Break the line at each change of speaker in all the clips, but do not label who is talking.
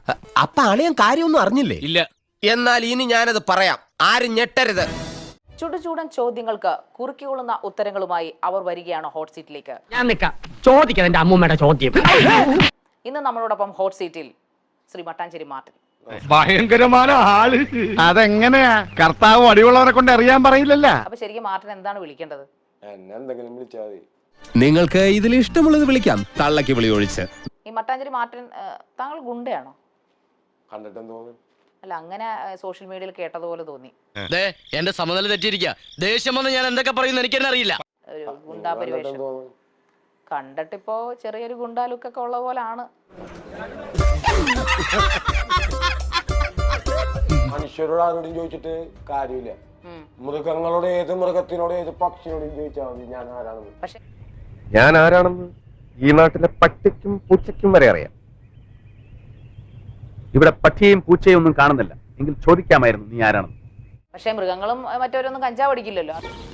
അപ്പൊ അളിയൻ കാര്യമൊന്നും അറിഞ്ഞില്ലേ?
ഇല്ല.
എന്നാൽ ഇനി ഞാനത് പറയാം, ആരും ഞെട്ടരുത്.
ചുടുചൂടൻ ചോദ്യങ്ങൾക്ക് കുറുക്കിക്കൊള്ളുന്ന ഉത്തരങ്ങളുമായി അവർ വരികയാണ് ഹോട്ട് സീറ്റിലേക്ക്.
ഞാൻ നിൽക്കാം, ചോദിക്കാം എന്റെ അമ്മൂമ്മയുടെ ചോദ്യം.
ഇന്ന് നമ്മളോടൊപ്പം ഹോട്ട് സീറ്റിൽ ശ്രീ മട്ടാഞ്ചേരി മാർട്ടിൻ.
ഭയങ്കരമായ ആള്. അതെങ്ങനെയാ? കർത്താവ് അടിയുള്ളവരെ കൊണ്ട് അറിയാൻ പറയില്ലല്ലോ.
അപ്പൊ ശരിക്കും മാർട്ടിൻ എന്താണ് വിളിക്കേണ്ടത്?
എന്തെങ്കിലും വിളിച്ചാൽ മതി.
നിങ്ങൾക്ക് ഇതിൽ ഇഷ്ടമുള്ളത് വിളിക്കാം, തള്ളക്ക് വിളി ഒഴിച്ച്.
ഈ മട്ടാഞ്ചേരി മാർട്ടിൻ താങ്കൾ ഗുണ്ടയാണോ?
കണ്ടിട്ടെന്ന് തോന്നുന്നു.
അല്ല, അങ്ങനെ സോഷ്യൽ മീഡിയയിൽ കേട്ടതുപോലെ തോന്നി.
എന്റെ സമനില തെറ്റിയിരിക്കുക. ദേഷ്യം വന്ന് ഞാൻ എന്തൊക്കെ പറയുന്നു എനിക്കെന്നെ അറിയില്ല.
ഒരു ഗുണ്ടാ പരിവേഷം കണ്ടിട്ടിപ്പോ ചെറിയൊരു ഗുണ്ടാ ലുക്കൊക്കെ ഉള്ള പോലാണ്.
മനുഷ്യരോട് ആരോടും ചോദിച്ചിട്ട് കാര്യമില്ല. മൃഗങ്ങളോട്, ഏത് മൃഗത്തിനോട്, ഏത് പക്ഷിയോടും ചോദിച്ചാൽ മതി ഞാൻ ആരാണെന്ന്.
പക്ഷെ
ഞാൻ ആരാണെന്ന് ഈ നാട്ടിലെ പട്ടിക്കും പൂച്ചയ്ക്കും വരെ അറിയാം. ഇവിടെ പട്ടിയും പൂച്ചയും ഒന്നും കാണുന്നില്ല, എങ്കിൽ ചോദിക്കാമായിരുന്നു നീ ആരാണെന്ന്.
പക്ഷെ മൃഗങ്ങളും മറ്റവരൊന്നും കഞ്ചാവ് അടിക്കില്ലല്ലോ.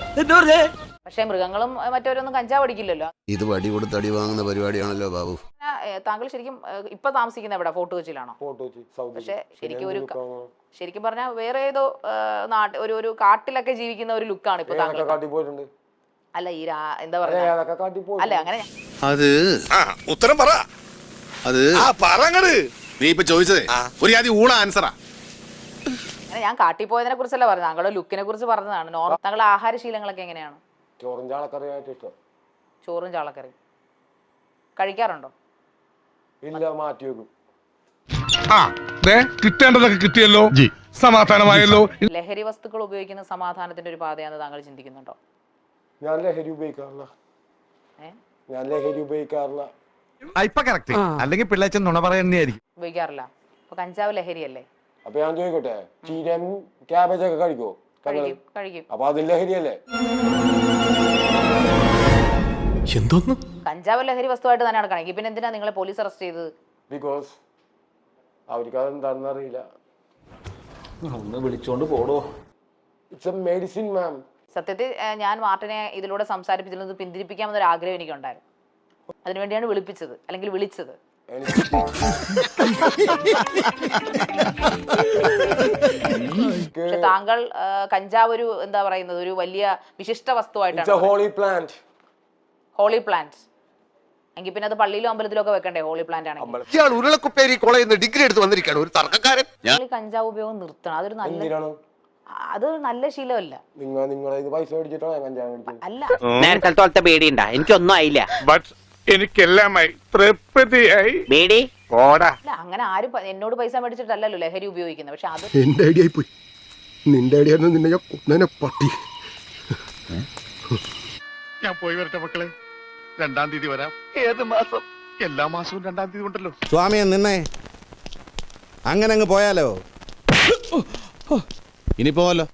ഇത് വടി കൊടുത്ത് അടി വാങ്ങുന്ന പരിപാടിയാണല്ലോ ബാബു.
താങ്കൾ ശരിക്കും ഇപ്പൊ താമസിക്കുന്ന എവിടെ? ഫോർട്ട് കൊച്ചിയിലാണോ? പക്ഷെ ശരിക്കും പറഞ്ഞാൽ വേറെ ഏതോ ഒരു കാട്ടിലൊക്കെ ജീവിക്കുന്ന ഒരു ലുക്കാണ് ഇപ്പൊ താങ്കൾ. അല്ല, ഈ എന്താ പറയാ, അല്ല അങ്ങനെ
അത് ഉത്തരം പറ. അത് നീ ഇപ്പൊ ചോദിച്ചതേ ഒരു ആദ്യം ഊണ ആൻസറാ.
ഞാൻ കാട്ടി പോയതിനെ കുറിച്ചല്ല പറഞ്ഞത്, താങ്കളുടെ ലുക്കിനെ കുറിച്ച് പറഞ്ഞതാണ്. താങ്കളുടെ ആഹാരശീലങ്ങളൊക്കെ എങ്ങനെയാണ്?
ചോറും ചാളക്കറിയായിട്ട് ഇഷ്ടം.
ചോറും ചാളക്കറി കഴിക്കാറുണ്ടോ?
ഇല്ല, മാറ്റി വെക്കും.
കിട്ടേണ്ടതൊക്കെ കിട്ടിയല്ലോ, സമാധാനമായല്ലോ.
ലഹരി വസ്തുക്കൾ ഉപയോഗിക്കുന്ന സമാധാനത്തിന്റെ ഒരു പാതയാണെന്ന് താങ്കൾ ചിന്തിക്കുന്നുണ്ടോ?
ഞാൻ ലഹരി ഉപയോഗിക്കാറില്ല.
ഇപ്പൊ കറക്റ്റ്. അല്ലെങ്കിൽ പിള്ളേച്ചൻ നുണ പറയുന്നതായിരിക്കും.
ഉപയോഗിക്കാറില്ല. അപ്പൊ കഞ്ചാവ് ലഹരിയല്ലേ?
അപ്പൊ ഞാൻ ചോദിക്കട്ടെ, ചീരയും ക്യാബേജ് ഒക്കെ കഴിക്കോ?
കഴിക്കും.
അപ്പൊ അത് ലഹരിയല്ലേ?
എന്തോന്ന്?
കഞ്ചാവ് ലഹരി വസ്തുവായിട്ട് തന്നെയാണ് കണക്കി. പിന്നെ എന്തിനാ നിങ്ങളെ പോലീസ് അറസ്റ്റ് ചെയ്തത്?
ബിക്കോസ് അവർക്ക് അതെന്താണെന്ന് അറിയില്ല. ഒന്ന് വിളിച്ചോണ്ട് പോടോ. It's a medicine ma'am.
സത്യത്തിൽ ഞാൻ മാർട്ടിനെ ഇതിലൂടെ സംസാരിപ്പിച്ചതിൽ നിന്ന് പിന്തിരിപ്പിക്കാമെന്നൊരു ആഗ്രഹം എനിക്കുണ്ടായിരുന്നു. അതിനുവേണ്ടിയാണ് വിളിപ്പിച്ചത്, അല്ലെങ്കിൽ വിളിച്ചത്. പക്ഷെ താങ്കൾ കഞ്ചാവ് ഒരു എന്താ പറയുന്നത്, ഒരു വലിയ വിശിഷ്ട വസ്തുവായിട്ടാണ്. ഹോളി പ്ലാന്റ് എങ്കിൽ പിന്നെ അത് പള്ളിയിലും അമ്പലത്തിലും ഒക്കെ വെക്കണ്ടേ? ഹോളി പ്ലാന്റ് ആണെങ്കിൽ
ഉരുളക്കുപ്പേരി കോളേജിൽ നിന്ന് ഡിഗ്രി എടുത്ത് വന്നിരിക്കുകയാണ് ഒരു തർക്കക്കാരൻ.
കഞ്ചാവ് ഉപയോഗം നിർത്തണം. അതൊരു നല്ല ശീലമല്ല. അല്ല,
നേരത്തെ പേടിയുണ്ടാ? എനിക്കൊന്നും ആയില്ല,
എനിക്കെല്ലാമായി തൃപ്തിയായി.
പേടി
അല്ല, അങ്ങനെ ആരും എന്നോട് പൈസ മേടിച്ചിട്ടല്ലല്ലോ ലഹരി ഉപയോഗിക്കുന്നത്. പക്ഷെ അത്
എന്റെ ഐഡിയ പോയി. നിന്റെ ഐഡിയ നിന്നെ ഞാൻ കൊന്നേനെ പട്ടി.
ഞാൻ പോയി വരട്ടെ മക്കളെ. 2-ാം തീയതി വരാം. ഏത് മാസം? എല്ലാ മാസവും 2-ാം തീയതി ഉണ്ടല്ലോ.
സ്വാമിയെ നിന്നെ അങ്ങനെ അങ്ങ് പോയാലോ? ഇനി പോവല്ലോ.